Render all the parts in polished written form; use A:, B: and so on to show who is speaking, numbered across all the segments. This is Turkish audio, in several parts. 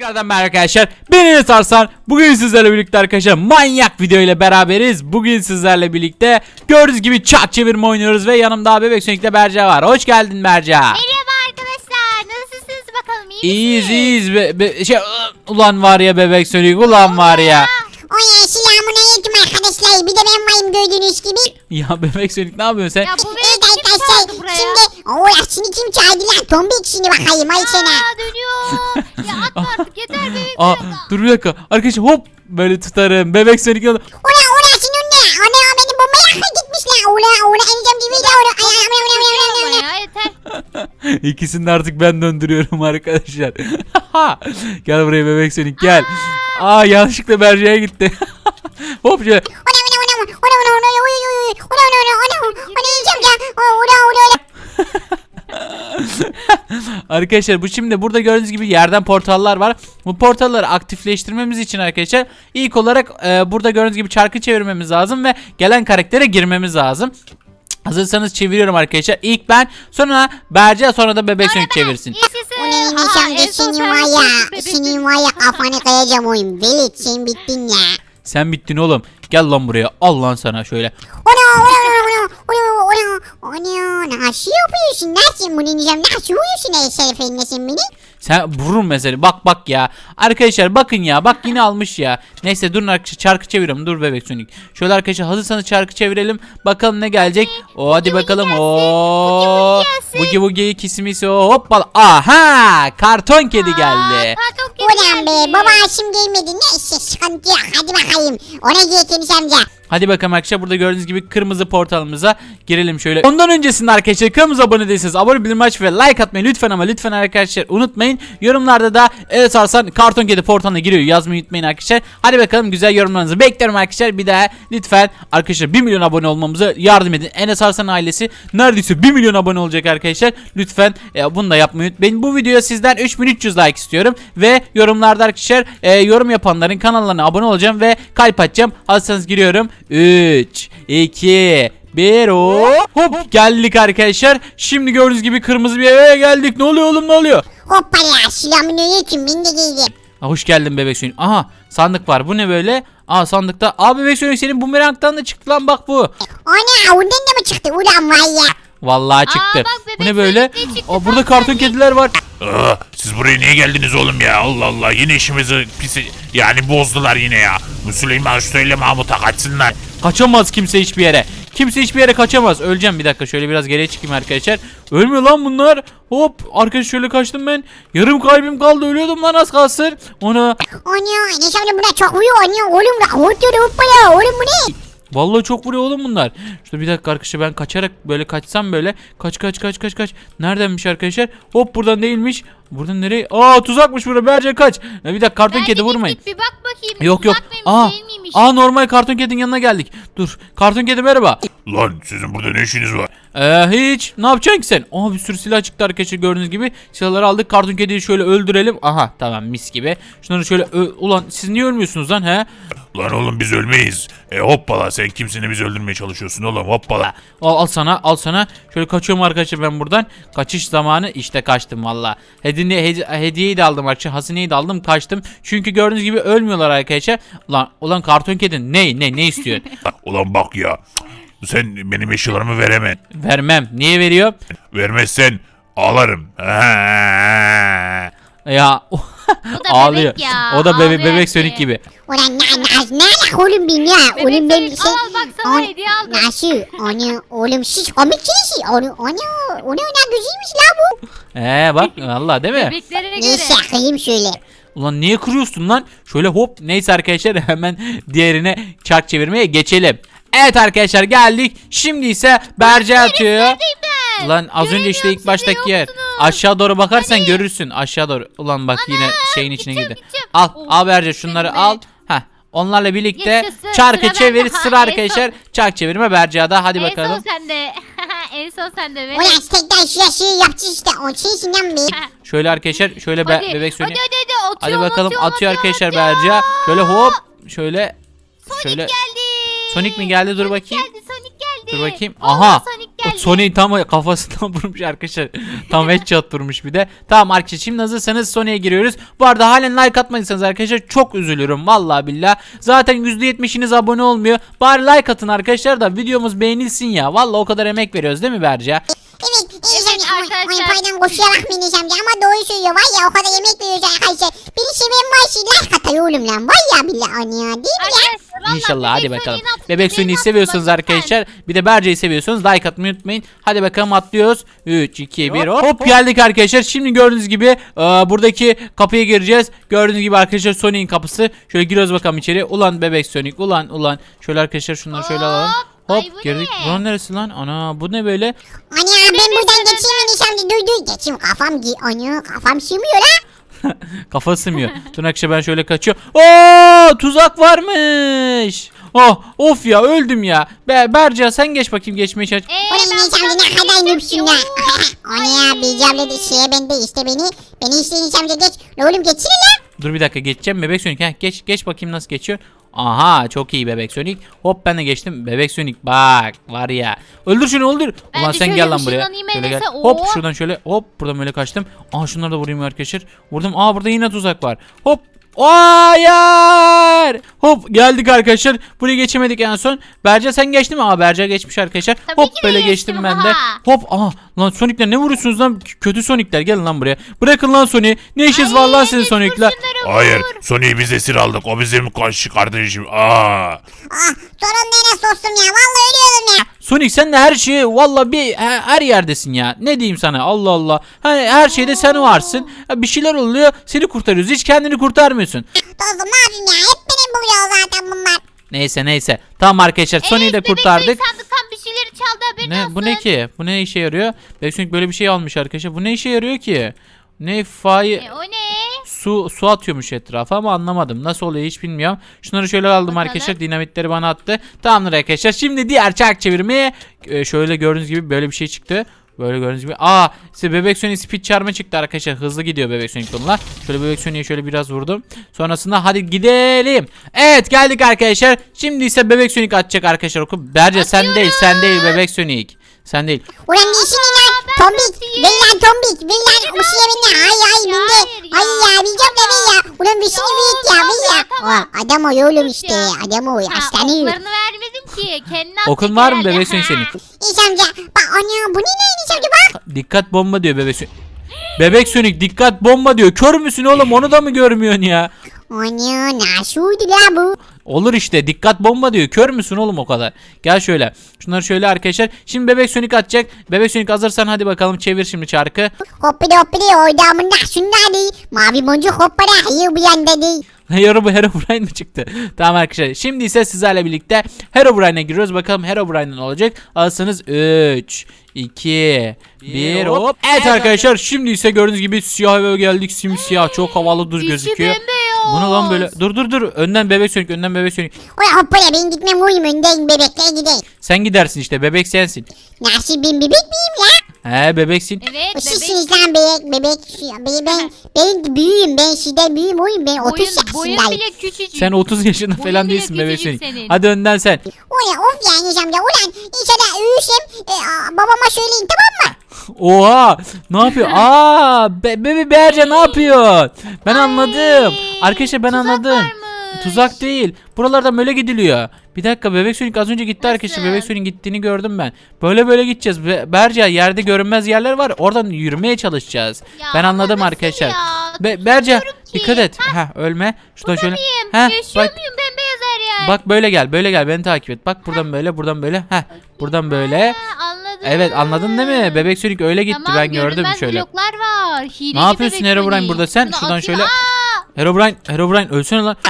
A: Tekrardan merhaba arkadaşlar. Ben Enes Arslan. Bugün sizlerle birlikte arkadaşlar manyak video ile beraberiz. Bugün sizlerle birlikte gördüğünüz gibi çak çevirme oynuyoruz ve yanımda Bebek Sonic'le Berca var. Hoş geldin Berca.
B: Merhaba arkadaşlar. Nasılsınız bakalım?
A: İyiyiz. Ulan var ya Bebek Sonic, ulan var ya.
C: Selamünaleyküm arkadaşlar. Bir de ben varım gördüğünüz gibi.
A: Ya Bebek Sonic ne yapıyorsun sen?
B: Ya bu
C: Evet
B: beni kim çağırdı
C: arkadaşlar.
B: buraya?
C: Şimdi kim çağırdı lan? Tombik şimdi bakayım ay sana.
B: Dönüyor. Ya atma artık yeter bebek.
A: Aa, dur bir dakika. Arkadaşlar hop böyle tutarım. Bebek Sonic
C: Ula senin ne? Ana benim bombaya gitmiş lan. Ula eneceğim gibi de ula.
B: Ya yeter.
A: İkisini de artık ben döndürüyorum arkadaşlar. Gel buraya Bebek Sonic gel. Aa, yanlışlıkla Berca'ya gitti. Hop şöyle. Arkadaşlar bu şimdi burada gördüğünüz gibi yerden portallar var. Bu portalları aktifleştirmemiz için arkadaşlar ilk olarak burada gördüğünüz gibi çarkı çevirmemiz lazım ve gelen karaktere girmemiz lazım. Hazırsanız çeviriyorum arkadaşlar. İlk ben, sonra Berca, sonra da Bebek Sonic çevirsin.
C: Senin var ya kafanı kayacağım oyun. Velet sen bittin ya.
A: Sen bittin oğlum. Gel lan buraya. Al lan sana şöyle.
C: Nasıl yapıyorsun? Nasıl bunu diyeceğim? Nasıl uyuyorsun Şerif eline sen beni?
A: Sen vururum mesela. Bak ya. Arkadaşlar bakın ya. Bak yine almış ya. Neyse durun arkadaşlar. Çarkı çeviriyorum. Dur Bebek Sonic. Şöyle arkadaşlar hazırsanız çarkı çevirelim. Bakalım ne gelecek. O hadi bakalım. O Bugi Bugi kismisi hoppala. Aha! Karton kedi geldi.
C: Ulan be baba aşım gelmedi. Neyse sıkıntı yok. Hadi bakayım. Ona giy Enes amca.
A: Hadi bakalım arkadaşlar, burada gördüğünüz gibi kırmızı portalımıza girelim şöyle. Ondan öncesinde arkadaşlar kanalımıza abone değilseniz abone bildirim aç ve like atmayı lütfen, ama lütfen arkadaşlar unutmayın. Yorumlarda da evet Arslan Karton Kedi portalına giriyor yazmayı unutmayın arkadaşlar. Hadi bakalım, güzel yorumlarınızı bekliyorum arkadaşlar. Bir daha lütfen arkadaşlar 1 milyon abone olmamıza yardım edin. Enes Arslan ailesi neredeyse 1 milyon abone olacak arkadaşlar. Lütfen bunu da yapmayı unutmayın. Bu videoya sizden 3300 like istiyorum ve yorumlarda arkadaşlar yorum yapanların kanallarına abone olacağım ve kalp atacağım. Hazırsanız giriyorum. 3, 2, 1 hop geldik arkadaşlar. Şimdi gördüğünüz gibi kırmızı bir eve geldik. Ne oluyor oğlum, ne oluyor?
C: Hoppala selamünaleyküm. Ben de giydim.
A: Hoş geldin Bebek Sonic. Aha, sandık var. Bu ne böyle? Aa, sandıkta. Aa, Bebek Sonic senin bumerangtan da çıktı lan, bak bu.
C: Ana ondan da mı çıktı? Ulan var ya.
A: Vallahi çıktı.
B: bak Bebek
A: Bu ne böyle?
B: Sonic de çıktı.
A: Aa, burada karton kediler var.
D: Siz buraya niye geldiniz oğlum ya? Allah Allah, yine işimizi yani bozdular yine ya. Bu Süleyman söyle Mahmut'a kaçsınlar.
A: Kaçamaz kimse hiçbir yere. Kimse hiçbir yere kaçamaz. Öleceğim, bir dakika şöyle biraz geriye çıkayım arkadaşlar. Ölmüyor lan bunlar. Hop arkadaşlar şöyle kaçtım ben. Yarım kalbim kaldı, ölüyordum lan az kalsın. Ona
C: Ana Enes amca buna çok uyuyor. Ana oğlum da hoppala oğlum bu ne?
A: vallahi çok vuruyor oğlum bunlar. Şurada bir dakika arkadaşlar, ben kaçarak böyle kaçsam böyle. Kaç. Neredenmiş arkadaşlar? Hop buradan değilmiş. Buradan nereye? Aa, tuzakmış burada. Berce kaç. Bir dakika, karton kedi vurmayın.
B: Bir bak bakayım.
A: Yok.
B: Tuzak mıymış,
A: Aa,
B: değil miymiş?
A: normal karton kedinin yanına geldik. Dur. Karton kedi merhaba.
D: Lan sizin burada ne işiniz var?
A: Hiç. Ne yapacaksın ki sen? Aa, bir sürü silah çıktı arkadaşlar, gördüğünüz gibi. Silahları aldık. Karton kediyi şöyle öldürelim. Aha, tamam, mis gibi. Şunları şöyle ulan siz niye ölmüyorsunuz lan he?
D: Lan oğlum biz ölmeyiz. Hoppala, sen kimsini biz öldürmeye çalışıyorsun oğlum, hoppala.
A: Al sana. Şöyle kaçıyorum arkadaşlar ben buradan. Kaçış zamanı, işte kaçtım valla. Hediyeyi de aldım arkadaşlar. Hazineyi de aldım, kaçtım. Çünkü gördüğünüz gibi ölmüyorlar arkadaşlar. Ulan karton kedin ne istiyorsun?
D: Ulan bak ya. Sen benim eşyalarımı veremem.
A: Vermem. Niye veriyor?
D: Vermezsen ağlarım.
A: Ya
B: O da
A: ağlıyor.
B: bebek ya,
A: O da
B: ağlıyor
A: bebek
B: ki.
A: Sonic gibi.
C: Ulan ne alak oğlum ben ya.
B: Bebek
C: Oğlum ben
B: Sonic, al bak sana hediye aldım.
C: Nasıl? Ana oğlum siz komikçiniz. Ana ne güzelmiş la bu.
A: Bak valla değil mi?
B: Bebeklerine göre.
C: Neyse kıyım şöyle.
A: Ulan niye kırıyorsun lan? Şöyle hop, neyse arkadaşlar hemen diğerine çark çevirmeye geçelim. Evet arkadaşlar geldik. Şimdi ise Berce atıyor.
B: Neredeyim ben?
A: Ulan az önce işte
B: Göremiyorum,
A: ilk baştaki
B: siz de
A: yer.
B: yoksunuz.
A: Aşağı doğru bakarsan
B: Hani?
A: görürsün. Aşağı doğru. Ulan bak yine şeyin içine
B: gideceğim,
A: girdi.
B: gideceğim.
A: Al
B: Oh,
A: Berce şunları
B: seni be.
A: al. Heh. Onlarla birlikte
B: Yaşasın,
A: çarkı
B: sıra
A: çevir,
B: bende.
A: sıra
B: Ha,
A: arkadaşlar. Çark çevirme Berce'da, hadi
B: En
A: bakalım.
B: son sende. En son sende. Bebek.
C: Ulan tekrar şu şeyi yapacağız işte. O şeysinden bir.
A: Şöyle arkadaşlar şöyle
B: Hadi,
A: bebek Sonic.
B: Hadi
A: Hadi
B: atıyorum,
A: bakalım,
B: atıyorum,
A: atıyor arkadaşlar
B: atıyorum.
A: Berce. Şöyle hop şöyle
B: Sonic
A: şöyle
B: geldi.
A: Sonic mi geldi? Dur
B: Sonic
A: bakayım.
B: Geldi, Sonic geldi.
A: Dur bakayım.
B: Vallahi
A: Aha.
B: Sonic geldi.
A: Sony'yi tam kafasından vurmuş arkadaşlar. Tam headshot vurmuş bir de. Tamam arkadaşlar şimdi hazırsanız Sony'ye giriyoruz. Bu arada halen like atmadıysanız arkadaşlar çok üzülürüm vallahi billah. Zaten %70'iniz abone olmuyor. Bari like atın arkadaşlar da videomuz beğenilsin ya. Vallahi o kadar emek veriyoruz değil mi Berca?
C: Evet Enes amca
B: arkadaşlar.
C: paydan koşarak mı Enes amca ama doğru söylüyor var ya o kadar yemek veriyoruz arkadaşlar. Biri seven var like atıyor oğlum lan var ya billahi anne ya değil mi ya?
B: Arkadaşlar, vallahi
A: İnşallah hadi
B: Bebek
A: bakalım.
B: Sony'nin attığı
A: Bebek Sony'yi
B: benim
A: seviyorsanız
B: attığı
A: arkadaşlar bir de Berca'yı seviyorsanız like atmayı unutmayın. Hadi bakalım atlıyoruz. 3, 2, 1 hop geldik arkadaşlar. Şimdi gördüğünüz gibi buradaki kapıya gireceğiz. Gördüğünüz gibi arkadaşlar Sony'nin kapısı. Şöyle giriyoruz bakalım içeri. Ulan Bebek Sonic ulan. Şöyle arkadaşlar şunları şöyle alalım. Hop
B: Ay, bu
A: girdik.
B: ne?
A: Buranın neresi lan? Ana bu ne böyle?
C: Anne ya ben buradan geçeyim Enes amca dur geçeyim kafam sığmıyor la.
A: Kafa sığmıyor. Dur arkadaşlar ben şöyle kaçıyorum. Oo tuzak varmış. Oh of ya öldüm ya. Berca sen geç bakayım geçmeye çalış.
C: Ulan Enes amca ne kadar nüpsün ya. Anne ya bir abla da şeye bende işte beni işte Enes amca geç. Ne oğlum geçsene la.
A: Dur bir dakika geçeceğim Bebek Sonic. Heh, geç bakayım nasıl geçiyor. Aha çok iyi Bebek Sonic. Hop ben de geçtim. Bebek Sonic bak var ya. Öldür şunu öldür.
B: Ben
A: Ulan
B: de
A: sen
B: şöyle
A: gel lan buraya.
B: ışınlanayım
A: Şöyle gel.
B: Enes'e.
A: Hop
B: Oo.
A: şuradan şöyle hop buradan böyle kaçtım. Aa şunları da vurayım arkadaşlar. Vurdum. Aa burada yine tuzak var. Hop. Hayır. Hop geldik arkadaşlar. Buraya geçemedik en son. Berca sen geçtin mi? Aa Berca geçmiş arkadaşlar.
B: Tabii
A: Hop
B: ki de
A: böyle
B: geçtim,
A: geçtim ben de.
B: ha.
A: Hop aha lan Sonic'ler ne vuruyorsunuz lan? Kötü Sonic'ler gelin lan buraya. Bırakın lan Sonic. Ne işiniz var lan sizin Sonic'ler?
D: Hayır Sony'yi biz esir aldık. O bizim kardeşim.
C: Sorun ne Enes dostum ya vallahi ölüyorum ya.
A: Sonic sen de her şeyi valla her yerdesin ya. Ne diyeyim sana Allah Allah. Hani her şeyde sen varsın. Bir şeyler oluyor seni kurtarıyoruz. Hiç kendini kurtarmıyorsun.
C: Dostum ne yapayım ya hep benim buluyor zaten bunlar.
A: Neyse. Tamam arkadaşlar Sonic'i de
B: Bebek Sonic
A: kurtardık.
B: sandıktan bir şeyleri çaldı haberin
A: Ne
B: olsun.
A: bu ne ki? Bu ne işe yarıyor? Bebek Sonic böyle bir şey almış arkadaşlar. Bu ne işe yarıyor ki? Ne fay
B: O ne?
A: su atıyormuş etrafa ama anlamadım. Nasıl oluyor hiç bilmiyorum. Şunları şöyle aldım
B: Bakalım.
A: arkadaşlar. Dinamitleri bana attı. Tamamdır arkadaşlar. Şimdi diğer çark çevirmeye şöyle gördüğünüz gibi böyle bir şey çıktı. Böyle gördüğünüz gibi. Aa size Bebek Sonic speed çarmı çıktı arkadaşlar. Hızlı gidiyor Bebek Sonic bunlar. Şöyle Bebek Sonic'e şöyle biraz vurdum. Sonrasında hadi gidelim. Evet geldik arkadaşlar. Şimdi ise Bebek Sonic atacak arkadaşlar oku. Berce sen değil Bebek Sonic. Sen değil.
C: Ulan ne işin lan
B: ben
C: tombik
B: nasıl
C: beyler tombik beyler bu şeye bindi hay bindi.
B: hayır ya.
C: Ay ya bileceğim de ben ya. Ulan bir şey büyük ya ben ya.
B: tamam.
C: Adam o oğlum işte adam o
B: Ha,
C: hastane yiyor.
B: oklarını vermedim ki. Kendine attı
A: Okun var mı
B: herhalde.
A: Bebek Sonic senin?
C: Enes amca bak ana bu ne Enes amca bak.
A: Dikkat bomba diyor Bebek Sonic. Bebek Sonic dikkat bomba diyor. Kör müsün oğlum onu da mı görmüyorsun ya?
C: Ana nasıl uydu la bu?
A: Olur işte dikkat bomba diyor. Kör müsün oğlum o kadar? Gel şöyle. Şunları şöyle arkadaşlar. Şimdi Bebek Sonic atacak. Bebek Sonic hazırsan hadi bakalım çevir şimdi çarkı.
C: Hoppidi orada şunlar değil. Mavi boncuk hoppara hayır bu yanda değil.
A: Herobrine mi çıktı? Tamam arkadaşlar. Şimdi ise sizlerle birlikte Herobrine'e giriyoruz. Bakalım Herobrine ne olacak? Alsanız 3, 2, 1 hop. Evet arkadaşlar şimdi ise gördüğünüz gibi siyah eve geldik. Simsiyah çok havalı dur
B: İçi
A: gözüküyor.
B: bembeyaz.
A: Bu ne lan böyle? Dur. Önden Bebek Sonic.
C: Ulan hoppara ben gitmem uyum önden bebekler gideyim.
A: Sen gidersin işte. Bebek sensin.
C: Nasıl ben bebek miyim ya?
A: He bebeksin.
B: Evet bebek.
C: Sizsiniz lan bebek. Ben büyüğüm ben sizden büyüğüm oyum ben 30
B: Boyun
C: yaşındayım.
B: bile küçücük.
A: Sen 30 yaşında
B: Boyun
A: falan
B: bile
A: değilsin Bebek
B: küçücük
A: Sonic.
B: senin.
A: Hadi önden sen.
C: Ulan of ya Enes amca ulan inşallah uyursam babama söyleyin tamam mı?
A: Oha! Ne yapıyor? Bebe Berce ne yapıyor? Ben anladım. Arkadaşlar ben
B: tuzak
A: anladım.
B: varmış.
A: Tuzak değil. Buralardan böyle gidiliyor. Bir dakika Bebek Sonic az önce gitti
B: Nasıl?
A: arkadaşlar. Bebek Sonic'in gittiğini gördüm ben. Böyle gideceğiz. Berce yerde görünmez yerler var. Oradan yürümeye çalışacağız.
B: Ya
A: Ben
B: ama
A: anladım
B: nasıl
A: arkadaşlar.
B: ya?
A: Berce
B: Tutuyorum ki.
A: dikkat et. Ölme. Şuradan şöyle.
B: Miyim?
A: Heh,
B: Yaşıyor
A: bak.
B: muyum bembeyaz her yer?
A: Bak böyle gel beni takip et. Bak buradan böyle. Buradan böyle.
B: Ha, anladım.
A: Evet anladın değil mi? Bebek Sonic öyle gitti
B: Tamam,
A: ben gördüm
B: görünmez
A: şöyle.
B: bloklar var. Hileci
A: Ne yapıyorsun
B: Bebek
A: Herobrine
B: Sonic.
A: burada sen?
B: Bunu
A: Şuradan
B: atayım.
A: şöyle. Herobrine ölsene lan.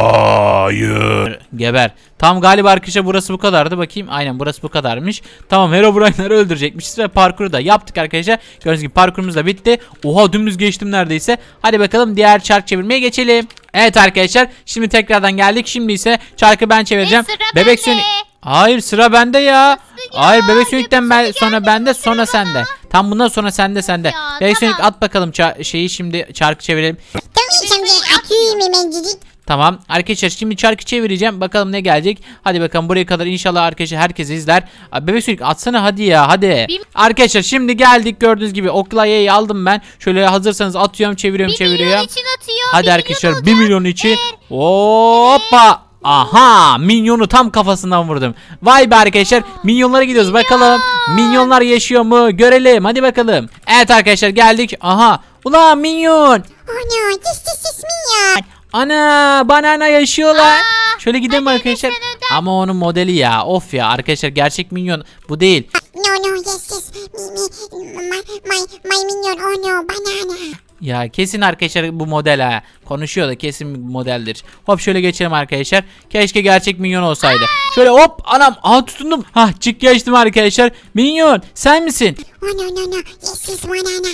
D: Hayır.
A: Geber. Tam galiba arkadaşlar burası bu kadardı. Bakayım. Aynen burası bu kadarmış. Tamam Herobrine'ları öldürecekmişiz ve parkuru da yaptık arkadaşlar. Gördüğünüz gibi parkurumuz da bitti. Oha dümdüz geçtim neredeyse. Hadi bakalım diğer çark çevirmeye geçelim. Evet arkadaşlar şimdi tekrardan geldik. Şimdi ise çarkı ben çevireceğim.
B: sıra
A: Bebek
B: bende.
A: Sonic. Hayır sıra bende ya. Hayır Bebek Sonic'ten sonra bende sonra sende. Tam bundan sonra sende.
B: Ya,
A: Bebek Sonic
B: tamam.
A: at bakalım şeyi şimdi çarkı çevirelim.
C: Tamam Enes amca atıyorum hemencik.
A: Tamam arkadaşlar şimdi çarkı çevireceğim bakalım ne gelecek. Hadi bakalım buraya kadar inşallah arkadaşlar herkes izler. Abi, Bebek Sonic atsana hadi ya hadi. Arkadaşlar şimdi geldik gördüğünüz gibi oklayayı aldım ben. Şöyle hazırsanız atıyorum çeviriyorum
B: 1 milyon
A: çeviriyorum.
B: için atıyor.
A: Hadi
B: 1
A: arkadaşlar
B: milyon
A: 1
B: olacak.
A: milyon için. Hoppa. Aha minyonu tam kafasından vurdum. Vay be arkadaşlar minyonlara gidiyoruz bakalım. Minyonlar yaşıyor mu görelim hadi bakalım. Evet arkadaşlar geldik. Aha ulan minyon.
C: Ana cis minyon.
A: Ana banana yaşıyorlar.
B: Aa,
A: Şöyle gidelim
B: hadi
A: arkadaşlar.
B: lütfen önden.
A: Ama onun modeli ya. Of ya arkadaşlar gerçek minyon bu değil.
C: No yes my minyon oh no banana.
A: Ya kesin arkadaşlar bu model ha. Konuşuyor da kesin bir modeldir. Hop şöyle geçelim arkadaşlar. Keşke gerçek minyon olsaydı. Şöyle hop anam. Aha tutundum. Hah çık geçtim arkadaşlar. Minyon sen misin?
C: Oh no yes banana.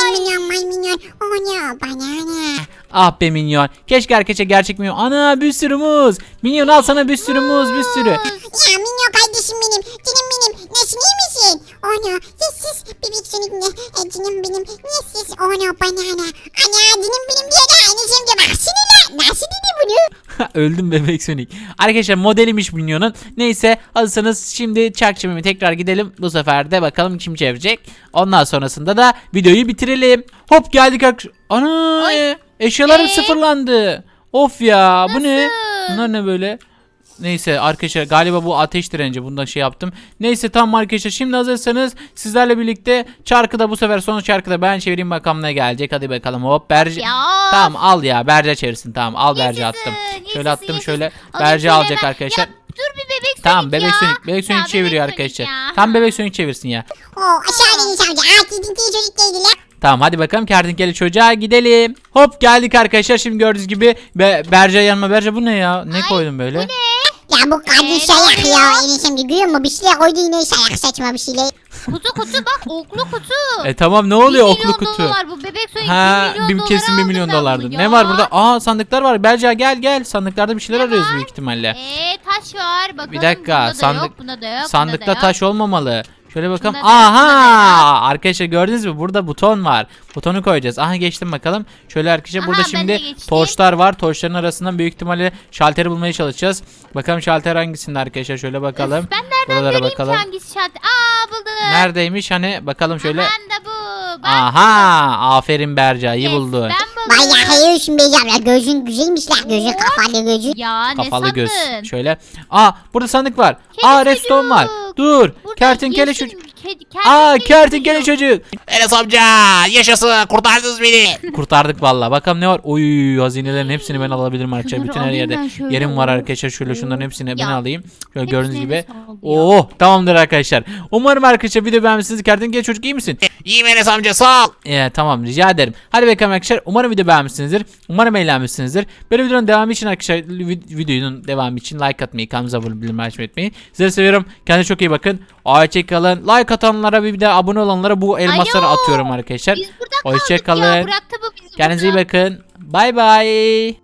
C: My minyon oh no banana.
A: Ah be minyon. Keşke arkadaşlar gerçek minyon. Ana bir sürü muz. Minyon al sana bir sürü muz bir sürü.
C: Ya minyon kardeşim benim. Canım benim. Nasıl iyi misin? Oh no yes bebek Sonic ne? Canım benim. Yes oh no banana. Ana canım benim diye de aynı şimdi baksana lan. Nasıl dedi bunu?
A: Öldüm bebek Sonic. Arkadaşlar modeliymiş minyonun. Neyse hazırsanız şimdi çark çevirmeye tekrar gidelim. Bu sefer de bakalım kim çevirecek. Ondan sonrasında da videoyu bitirelim. Hop geldik arkadaşlar. Ana
B: Ay.
A: eşyalarım sıfırlandı. Of ya bu ne?
B: Nasıl?
A: Bunlar ne böyle? Neyse arkadaşlar galiba bu ateş direnci bundan şey yaptım. Neyse tamam arkadaşlar şimdi hazırsanız sizlerle birlikte çarkı da bu sefer son çarkı da ben çevireyim bakalım ne gelecek. Hadi bakalım hop Berce.
B: Ya.
A: Tamam al ya Berce çevirsin tamam al Berce
B: Yaşasın,
A: attım.
B: yaşasın,
A: Şöyle attım
B: yaşasın.
A: şöyle
B: Alayım
A: Berce
B: şöyle
A: alacak
B: hemen.
A: arkadaşlar.
B: Ya, dur bir bebek Sonic
A: Tamam bebek
B: ya.
A: Sonic bebek Sonic
B: Ya,
A: çeviriyor
B: bebek Sonic
A: arkadaşlar.
B: ya.
A: Tam bebek Sonic çevirsin ya.
C: Oh aşağı iniş amca. Artık çocuk değildi lan.
A: Tamam hadi bakalım kertenkele çocuğa gidelim. Hop geldik arkadaşlar şimdi gördüğünüz gibi Berce yanıma Berce bu ne ya? Ne
B: Ay,
A: koydun böyle?
C: Ya bu kadın
B: Ne
C: şayak
B: oluyor?
C: ya. Eniş amca görüyor musun? Bir şeyler koydu yine şayak saçma bir şeyler.
B: Kutu bak oklu kutu.
A: Tamam ne oluyor
B: 1
A: oklu
B: milyon
A: kutu?
B: dolar bu bebek Sonic
A: Ha
B: 1 milyon
A: kesin 1 milyon dolardı. Ne var burada? Aa sandıklar var. Berce gel sandıklarda bir şeyler
B: Ne
A: arıyoruz
B: var?
A: büyük ihtimalle.
B: Taş var bakalım.
A: Bir dakika,
B: bunda da
A: sandık-
B: yok, bunda da yok,
A: Sandıkta
B: bunda da
A: taş olmamalı. Şöyle bakalım.
B: Bunda da yok, bunda da
A: Aha! Arkadaşlar gördünüz mü? Burada buton var. Butonu koyacağız. Aha geçtim bakalım. Şöyle arkadaşlar
B: Aha,
A: burada
B: ben de
A: şimdi
B: geçtim.
A: torçlar var. Torçların arasından büyük ihtimalle şalteri bulmaya çalışacağız. Bakalım şalter hangisinde arkadaşlar? Şöyle bakalım.
B: Ben nereden
A: Buralara
B: göreyim
A: bakalım.
B: ki hangisi şart? Aa buldum.
A: Neredeymiş? Hani bakalım şöyle.
B: Ben de bu. Ben
A: Aha! Aferin Berca. iyi
B: Yes,
A: buldun.
B: Ben buldum.
C: Vay ya hayır şimdi beyeceğim ya. Gözün güzelmiş lan. Gözün kafalı gözün.
B: Ya ne
A: Kafalı
B: sandın?
A: göz. Şöyle. Aa burada sandık var.
B: Kedi
A: Aa redstone var.
B: çocuk.
A: Dur.
B: Burada
A: Kertenkele
B: yeşil
A: çocuk.
B: kertenkele
A: Kertenkele çocuk.
D: Enes amca yaşasın kurtardınız beni.
A: Kurtardık vallahi. Bakalım ne var? Oy hazinelerin hepsini ben alabilirim arkadaşlar.
B: Şunları
A: Bütün her
B: alayım
A: yerde
B: ben şöyle.
A: yerim var arkadaşlar. Şöyle şunların hepsini ben
B: Ya,
A: alayım. Şöyle
B: hepsini
A: gördüğünüz gibi.
B: Enes aldı ya.
A: Oo tamamdır arkadaşlar. Umarım arkadaşlar video beğenmişsiniz. Kertenkele çocuk iyi misin?
D: İyiyim Enes amca sağ ol.
A: Tamam rica ederim. Hadi bakalım arkadaşlar. Umarım video beğenmişsinizdir. Umarım eğlenmişsinizdir. Böyle videonun devamı için arkadaşlar videonun devamı için like atmayı, kanalımıza abone olmayı, bildirim açmayı unutmayın. Sizleri seviyorum. Kendinize çok iyi bakın. Hoşçakalın. Like atanlara bir de abone olanlara bu elmasları
B: Alo.
A: atıyorum arkadaşlar.
B: Biz burada kaldık
A: Hoşçakalın.
B: ya. Bıraktı bu bizi
A: Kendinize iyi
B: burada.
A: bakın. Bay bay.